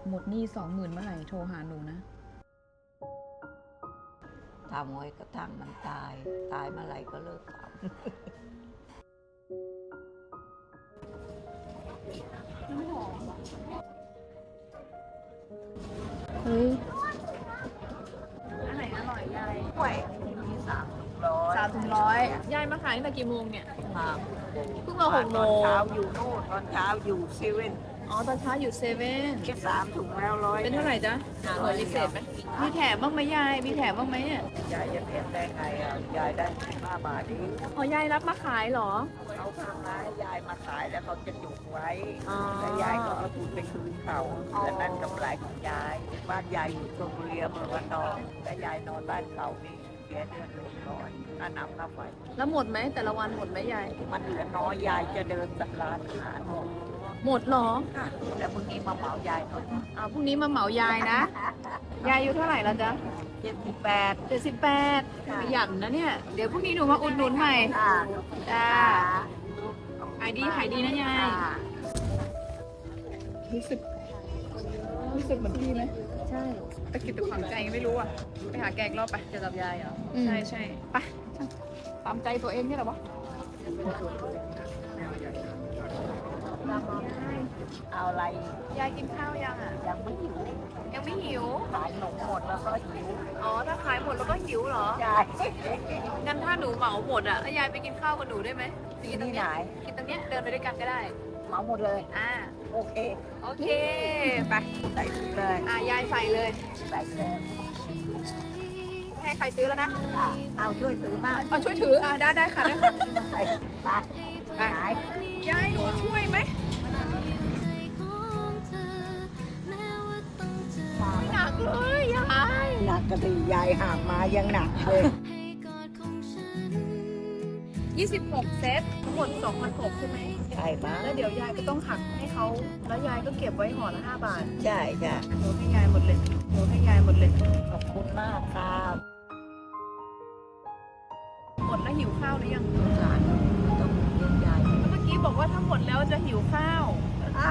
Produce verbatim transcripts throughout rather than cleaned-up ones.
หมดหนี้สองหมื่นเมื่อไหร่โทรหาหนูนะทำไว้กระทั่งมันตาย ตายเมื่อไหร่ก็เลิกทำเฮ้ยอันไหนอร่อยยายกล้วยมีสามถุงร้อยสามถึงร้อยยายมาขายตั้งแต่กี่โมงเนี่ยมาเพิ่งมาหกโมตอนงเช้าอยู่โน่นตอนเช้าอยู่เซเว่นอ๋อตอนเช้าอยู่เซเว่นแค่สามถุงแล้วร้อยเป็นเท่าไหร่จ๊ะเหมือนพิเศษไหมมีแถมบ้างไหมยายมีแถมบ้างไหมอ่ะยายจะเปลี่ยนได้ไงอ่ะยายได้ห้าบาทเองอ๋อยายรับมาขายเหรอเขาทำร้ายยายมาขายแล้วเขาจะจุกไว้อ๋อแล้วยายก็เอาทุนไปคืนเขาและนั่นกำไรของยายบ้านยายอยู่ชลบุรีอำเภอวันนองและยายนอนบ้านเขานี่เสียเดือนหนึ่งร้อยค่าน้ำค่าไฟแล้วหมดไหมแต่ละวันหมดไหมยายมันเหลือน้อยยายจะเดินสักร้านอาหารหมดหมดเหรอค่ะแล้วพรุ่งนี้มาเหมายายหน่อยอ่าพรุ่งนี้มาเหมายายนะ ยายอายุเท่าไหร่แล้วจ๊ะเจ็ดสิบแปดเจ็ดสิบแปดขยันนะเนี่ย เดี๋ยวพรุ่งนี้หนูมาอุดหนุนใหม่ค่ะจ้าขายดีขายดีนะยายค่ะรู้สึกรู้สึกเหมือนพี่ไหมใช่ตะกิดตะขวางใจไม่รู้อ่ะไปหาแกอีกรอบไปเจอกับยายเหรอใช่ใช่ไปตามใจตัวเองนี่แหละวะเอาอะไรยายกินข้าวยังอ่ะยังไม่หิวยังไม่หิวขายขนมหมดแล้วก็หิวอ๋อ ถ้าขายหมดแล้วก็หิวเหรอใช่งั้นถ้าหนูเหมาหมดอ่ะแล้วยายไปกินข้าวกับหนูได้ไหมไปกินตรงที่ไหนเนี้ยกินตรงเนี้ยเดินไปด้วยกันก็ได้เหมาหมดเลยอ่าโอเคโอเค ไปใส่ถุงเลยอ่ายายใส่เลยใส่เลยให้ใครซื้อแล้วนะค่ะเอาช่วยถือมากเอาช่วยถือ อ่าได้ได้ค่ะได้ค่ะใส่ไปขายยายหนูช่วยไหมไม่หนักเลยยายหนักกระดียายหามมายังหนักเลยยี่สิบหกเซตทั้งหมดสองพันหกใช่ไหมใช่ปะแล้วเดี๋ยวยายก็ต้องหักให้เขา แล้วยายก็เก็บไว้ห่อละห้าบาทใช่จ้ะหนูให้ยายหมดเลยหนูให้ยายหมดเลยขอบคุณมากครับหมดแล้วหิวข้าวหรือยังสงสารต้องเลี้ยงยายแล้วเมื่อกี้บอกว่าถ้าหมดแล้วจะหิวข้าวอ่ะ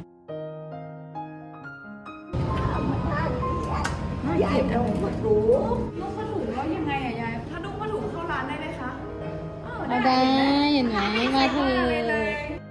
ยายลงมาดูนุ่งผ้าถุงแล้วยังไงอะยาย ถ้านุ่งผ้าถุงเข้าร้านได้ไหมคะเออมาได้เห็นไหมมาเถอะเลย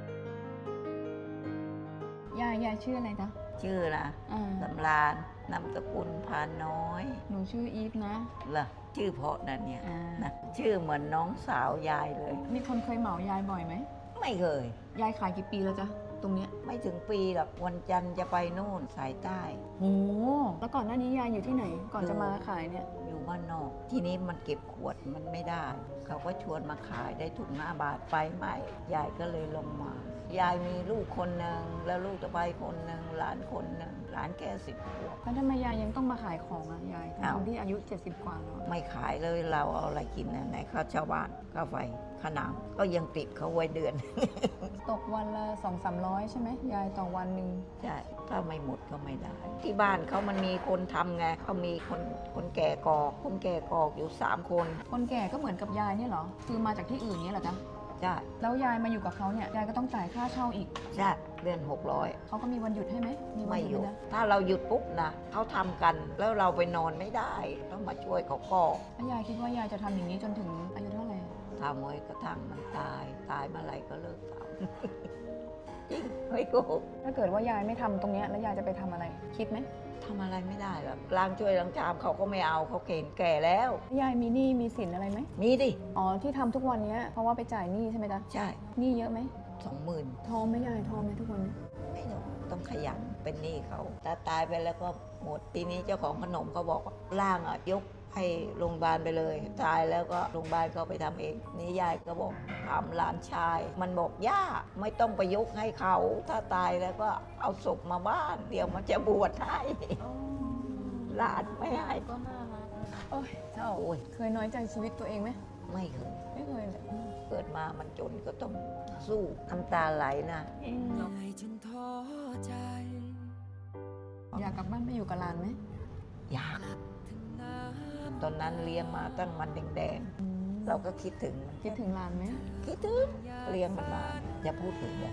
ยายยายชื่ออะไรจ๊ะชื่อล่ะอ่าสำราญนามสกุลพาน้อยหนูชื่ออีฟนะล่ะชื่อเพราะนั่นเนี่ยอ่านะชื่อเหมือนน้องสาวยายเลยมีคนเคยเหมายายบ่อยไหมไม่เคยยายขายกี่ปีแล้วจ๊ะตรงเนี้ยไม่ถึงปีหรอกวันจันทร์จะไปนู่นสายใต้โหแล้วก่อนหน้านี้ยายอยู่ที่ไหน ก่อนจะมาขายเนี่ยอยู่บ้านนอก ทีนี้มันเก็บขวดมันไม่ได้ เขาก็ชวนมาขายได้ถุงห้าบาทไปใหม่ยายก็เลยลงมา ยายมีลูกคนหนึ่งแล้วลูกจะไปคนหนึ่งหลานคนหนึ่งหลานแค่สิบขวบแล้วทำไมยายยังต้องมาขายของอ่ะยายอ้าวทั้งที่อายุเจ็ดสิบกว่าแล้วอะไม่ขายเลยเราเอาอะไรกินนะไหนข้าวชาวบ้านข้าวไฟข้าวหนามก็ยังติดเขาไว้เดือนตกวันละสองสามร้อยใช่ไหมยายต่อวันหนึ่งใช่ถ้าไม่หมดก็ไม่ได้ ที่บ้านเขามันมีคนทำไงเขามีคนคนแก่กอก คนแก่กอกอยู่สามคนคนแก่ก็เหมือนกับยายเนี่ยเหรอคือมาจากที่อื่นเนี่ยเหรอจ๊ะใช่แล้วยายมาอยู่กับเขาเนี่ยยายก็ต้องจ่ายค่าเช่าอีกใช่เดือนหกร้อยเขาก็มีวันหยุดให้ไหมมีวัไม่นหหยุยุดดนะถ้าเราหยุดปุ๊บนะเขาทำกันแล้วเราไปนอนไม่ได้ ต้องมาช่วยเขากอกแล้วยายคิดว่ายายจะทำอย่างนี้จนถึงอายุเท่าไหร่ทำไว้กระทั่งมันตาย ตายเมื่อไหร่ก็เลิกทำ จริงไม่โกหกถ้าเกิดว่ายายไม่ทำตรงเนี้ยแล้วยายจะไปทำอะไร คิดไหมทำอะไรไม่ได้หรอกล้างช่วยล้างชามเขาก็ไม่เอาเขาเก่งแก่แล้วยายมีหนี้มีสินอะไรไหมมีดิอ๋อที่ทำทุกวันเนี้ยเพราะว่าไปจ่ายหนี้ใช่ไหมจ๊ะใช่หนี้เยอะไหมสองหมื่นทองไหมยายทองไหมทุกวันนี้ไม่หนูต้องขยันเป็นหนี้เขาถ้าตายไปแล้วก็หมดทีนี้เจ้าของขนมเขาบอกว่าร่างอ่ะยกให้โรงพยาบาลไปเลย ตายแล้วก็โรงพยาบาลเขาไปทำเอง นี่ยายก็บอกถามหลานชาย มันบอกย่าไม่ต้องไปยกให้เขา ถ้าตายแล้วก็เอาศพมาบ้าน เดี๋ยวมันจะบวชให้หลานไม่ให้ก็น่ารักโอ้ยเจ้าโอ้ยเคยน้อยใจชีวิตตัวเองไหมไม่เคยไม่เคยเลยเกิดมามันจนก็ต้องสู้น้ำตาไหลนะจนท้อใจอยากกลับบ้านไปอยู่กับหลานไหมอยากถึงน้ตอนนั้นเลี้ยงมาตั้งมันแดงๆเราก็คิดถึงมันคิดถึงหลานไหมคิดถึงเลี้ยงมันมาอย่าพูดถึงเลยำ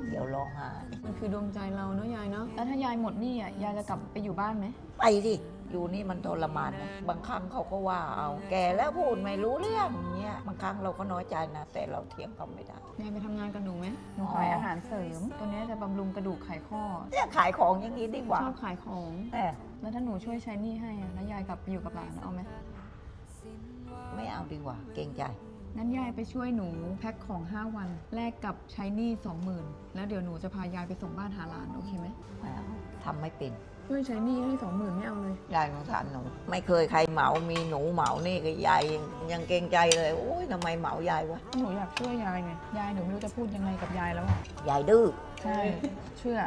เดี๋ยวร้องไห้มันคือดวงใจเราเนาะยายเนาะ แล้วถ้ายายหมดหนี้อ่ะ ยายจะกลับไปอยู่บ้านไหมไปสิอยู่นี่มันทรมานนะบางครั้งเขาก็ว่าเอา แก่แล้วพูดไม่รู้เรื่องเงี้ยบางครั้งเราก็น้อยใจนะ แต่เราเถียงเขาไม่ได้ยายไปทำงานกับหนูไหมหนูอ๋อขายอาหารเสริม ตัวเนี้ยจะบำรุงกระดูกไขข้อเนี่ยขายของอย่างนี้ดีกว่าชอบขายของแต่แล้วถ้าหนูช่วยใช้หนี้ให้อะแล้วยายกลับไปอยู่กับหลานเอาไหมไม่เอาดีกว่า เกรงใจงั้นยายไปช่วยหนูแพ็คของ ห้า วัน แลกกับใช้หนี้สองหมื่นแล้วเดี๋ยวหนูจะพายายไปส่งบ้านหาหลานโอเคไหมไม่เอาทำไม่เป็นช่วยใช้หนี้ให้สองหมื่นไม่เอาเลยยายสงสารหนู ไม่เคยใครเหมา มีหนูเหมานี่ก็ยายยังยังเกรงใจเลย โอ้ยทำไมเหมายายวะหนูอยากช่วยยายไง ยายหนูไม่รู้จะพูดยังไงกับยายแล้วอะยายดื้อใช่ เชื่อ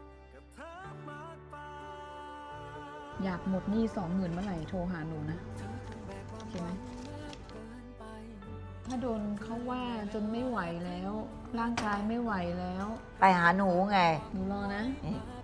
อยากหมดหนี้สองหมื่นเมื่อไหร่โทรหาหนูนะโอเคไหม ถ้าโดนเขาว่าจนไม่ไหวแล้ว ร่างกายไม่ไหวแล้วไปหาหนูไงหนูรอนะนี่โ